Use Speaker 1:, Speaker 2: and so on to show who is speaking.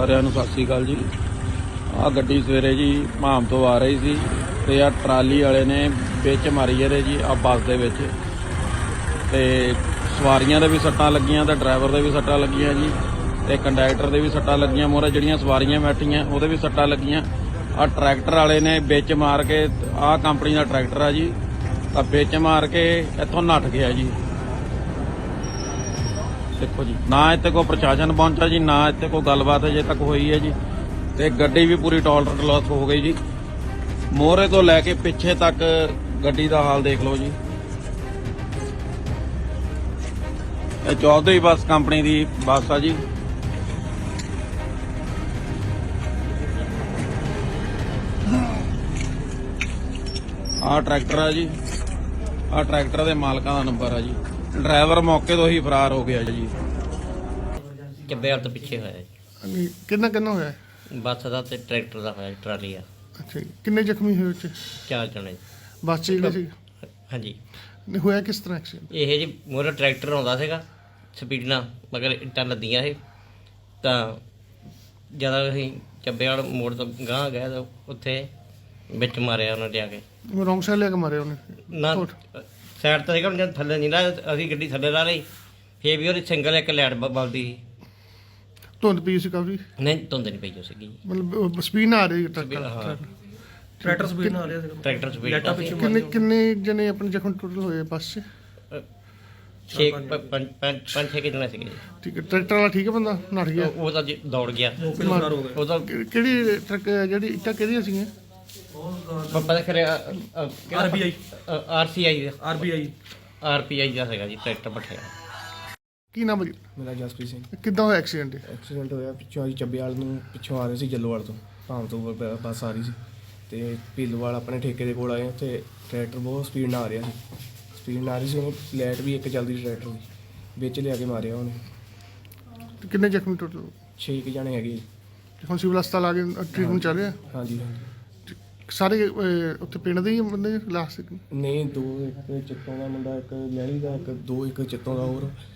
Speaker 1: ਸਾਰਿਆਂ ਨੂੰ ਸਤਿ ਸ਼੍ਰੀ ਅਕਾਲ ਜੀ। ਆਹ ਗੱਡੀ ਸਵੇਰੇ ਜੀ ਭਾਮ ਤੋਂ ਆ ਰਹੀ ਸੀ ਤੇ ਆ ਟਰਾਲੀ ਵਾਲੇ ਨੇ ਵਿੱਚ ਮਾਰੀ ਇਹਦੇ ਜੀ ਆ ਬੱਸ ਦੇ ਵਿੱਚ, ਤੇ ਸਵਾਰੀਆਂ ਦੇ ਵੀ ਸੱਟਾਂ ਲੱਗੀਆਂ ਤੇ ਡਰਾਈਵਰ ਦੇ ਵੀ ਸੱਟਾਂ ਲੱਗੀਆਂ ਜੀ, ਤੇ ਕੰਡਕਟਰ ਦੇ ਵੀ ਸੱਟਾਂ ਲੱਗੀਆਂ। ਮੋਹਰੇ ਜਿਹੜੀਆਂ ਸਵਾਰੀਆਂ ਬੈਠੀਆਂ ਉਹਦੇ ਵੀ ਸੱਟਾਂ ਲੱਗੀਆਂ। ਆ ਟਰੈਕਟਰ ਵਾਲੇ ਨੇ ਵਿੱਚ ਮਾਰ ਕੇ, ਆਹ ਕੰਪਨੀ ਦਾ ਟਰੈਕਟਰ ਆ ਜੀ, ਤਾਂ ਵਿੱਚ ਮਾਰ ਕੇ ਇੱਥੋਂ ਨੱਠ ਗਿਆ ਜੀ। ਦੇਖੋ ਜੀ, ਨਾ ਇੱਥੇ ਕੋਈ ਪ੍ਰਸ਼ਾਸਨ ਪਹੁੰਚਾ ਜੀ, ਨਾ ਇੱਥੇ ਕੋਈ ਗੱਲਬਾਤ ਅਜੇ ਤੱਕ ਹੋਈ ਹੈ ਜੀ। ਤੇ ਗੱਡੀ ਵੀ ਪੂਰੀ ਟੋਲਰ ਲਾਸ ਹੋ ਗਈ ਜੀ। ਮੋਹਰੇ ਤੋਂ ਲੈ ਕੇ ਪਿੱਛੇ ਤੱਕ ਗੱਡੀ ਦਾ ਹਾਲ ਦੇਖ ਲਓ ਜੀ। ਇਹ ਚੌਧਰੀ ਬੱਸ ਕੰਪਨੀ ਦੀ ਬੱਸ ਆ ਜੀ। ਆਹ ਟਰੈਕਟਰ ਆ ਜੀ, ਆਹ ਟਰੈਕਟਰ ਦੇ ਮਾਲਕਾਂ ਦਾ ਨੰਬਰ ਆ ਜੀ। ਡਰਾਈਵਰ ਮੌਕੇ ਤੋਂ ਹੀ ਫਰਾਰ ਹੋ ਗਿਆ ਜੀ।
Speaker 2: ਚੱਬੇ ਵਾਲ ਤੋਂ ਪਿੱਛੇ ਹੋਇਆ ਜੀ।
Speaker 3: ਕਿੰਨਾ ਹੋਇਆ?
Speaker 2: ਬੱਸ ਦਾ ਤੇ ਟਰੈਕਟਰ ਦਾ ਹੋਇਆ, ਟਰਾਲੀ ਆ।
Speaker 3: ਅੱਛਾ ਜੀ। ਕਿੰਨੇ ਜ਼ਖਮੀ ਹੋਏ ਉੱਥੇ?
Speaker 2: 4 ਜਣੇ।
Speaker 3: ਬੱਸ ਚ ਜਿਹੜੇ ਸੀ?
Speaker 2: ਹਾਂਜੀ।
Speaker 3: ਹੋਇਆ ਕਿਸ ਤਰ੍ਹਾਂ ਐਕਸੀਡੈਂਟ?
Speaker 2: ਇਹ ਜੀ ਮੋਹਰੇ ਟਰੈਕਟਰ ਆਉਂਦਾ ਸੀਗਾ ਸਪੀਡ ਨਾਲ, ਮਗਰ ਇੱਟਾਂ ਲੱਦੀਆਂ ਇਹ, ਤਾਂ ਜਦੋਂ ਅਸੀਂ ਚੱਬੇ ਵਾਲ ਮੋੜ ਤੋਂ ਗਾਂਹ ਗਏ ਤਾਂ ਉੱਥੇ ਵਿੱਚ ਮਾਰਿਆ ਉਹਨਾਂ ਨੇ ਆ ਕੇ।
Speaker 3: ਰੌਂਗ ਸਾਈਡ ਲੈ ਕੇ ਮਾਰਿਆ ਉਹਨੇ?
Speaker 2: ਨਾ ਸਾਈਡ ਤਾਂ ਸੀਗਾ, ਜਦ ਥੱਲੇ ਨਹੀਂ ਲਾ, ਅਸੀਂ ਗੱਡੀ ਥੱਲੇ ਲਾ ਲਈ, ਫੇਰ ਵੀ ਉਹਦੀ ਸਿੰਗਲ ਇੱਕ ਲਾਈਟ ਬਲਦੀ ਸੀ।
Speaker 3: ਧੁੰਦ ਪਈ ਸੀ ਕਾਫੀ?
Speaker 2: ਨਹੀਂ, ਧੁੰਦ ਨਹੀਂ ਪਈ ਹੋ ਸੀਗੀ।
Speaker 3: ਮਤਲਬ ਸਪੀਡ ਨਾਲ ਆ ਰਹੀ ਟਰੈਕਟਰ
Speaker 4: ਸਪੀਡ ਨਾਲ ਆ ਰਿਹਾ ਸੀਗਾ।
Speaker 2: ਟਰੈਕਟਰ ਸਪੀਡ
Speaker 3: ਕਿੰਨੇ ਜਣੇ ਆਪਣੇ ਜ਼ਖਮ ਟੋਟਲ ਹੋਏ ਬੱਸ 'ਚ?
Speaker 2: 5-6 ਜਣੇ ਸੀਗੇ ਜੀ।
Speaker 3: ਠੀਕ ਹੈ। ਟਰੈਕਟਰ ਵਾਲਾ ਠੀਕ ਹੈ, ਬੰਦਾ ਨੱਠ ਗਿਆ?
Speaker 2: ਉਹ ਤਾਂ ਜੀ ਦੌੜ ਗਿਆ। ਉਹ ਤਾਂ
Speaker 3: ਕਿਹੜੀ ਟਰੱਕ ਜਿਹੜੀ ਇੱਟਾਂ ਕਿਹਦੀਆਂ ਸੀਗੀਆਂ?
Speaker 2: ਪਤਾ ਕਰਿਆ
Speaker 4: ਆਰਬੀਆਈ
Speaker 2: ਆਰਪੀਆਈ ਦਾ ਸੀਗਾ ਜੀ ਟਰੈਕਟਰ ਪੱਠਿਆ।
Speaker 3: ਕੀ ਨਾਮ ਹੈ ਜੀ?
Speaker 5: ਮੇਰਾ ਜਸਪ੍ਰੀਤ ਸਿੰਘ।
Speaker 3: ਕਿੱਦਾਂ ਹੋਇਆ ਐਕਸੀਡੈਂਟ?
Speaker 5: ਐਕਸੀਡੈਂਟ ਹੋਇਆ ਪਿੱਛੋਂ ਅਸੀਂ ਚੱਬੇਵਾਲ ਨੂੰ ਪਿੱਛੋਂ ਆ ਰਹੇ ਸੀ, ਜੱਲੋਵਾਲ ਤੋਂ ਭਾਮ ਤੋਂ ਬੱਸ ਆ ਰਹੀ ਸੀ, ਤੇ ਭੀਲੋਵਾਲ ਆਪਣੇ ਠੇਕੇ ਦੇ ਕੋਲ ਆਏ। ਉੱਥੇ ਟਰੈਕਟਰ ਬਹੁਤ ਸਪੀਡ ਨਾਲ ਆ ਰਿਹਾ ਸੀ, ਉਹਨੂੰ ਲਾਈਟ ਵੀ ਇੱਕ ਚੱਲਦੀ ਟਰੈਕਟਰ ਦੀ, ਵਿੱਚ ਲਿਆ ਕੇ ਮਾਰਿਆ ਉਹਨੇ।
Speaker 3: ਕਿੰਨੇ ਜ਼ਖਮੀ ਟੋਟਲ?
Speaker 5: 6 ਜਣੇ ਹੈਗੇ।
Speaker 3: ਹੁਣ ਸਿਵਲ ਹਸਪਤਾਲ ਆ ਕੇ ਟ੍ਰੀਟਮੈਂਟ ਚੱਲ ਰਿਹਾ?
Speaker 5: ਹਾਂਜੀ।
Speaker 3: ਸਾਰੇ ਉੱਥੇ ਪਿੰਡ ਦੇ ਹੀ ਬੰਦੇ ਲਾਸਟ?
Speaker 5: ਨਹੀਂ, 2 ਇੱਕ ਚਿੱਤੋਂ ਦਾ ਮੁੰਡਾ, ਇੱਕ ਲਹਿਰੀ ਦਾ, ਇੱਕ ਚਿੱਤੋਂ ਦਾ ਹੋਰ,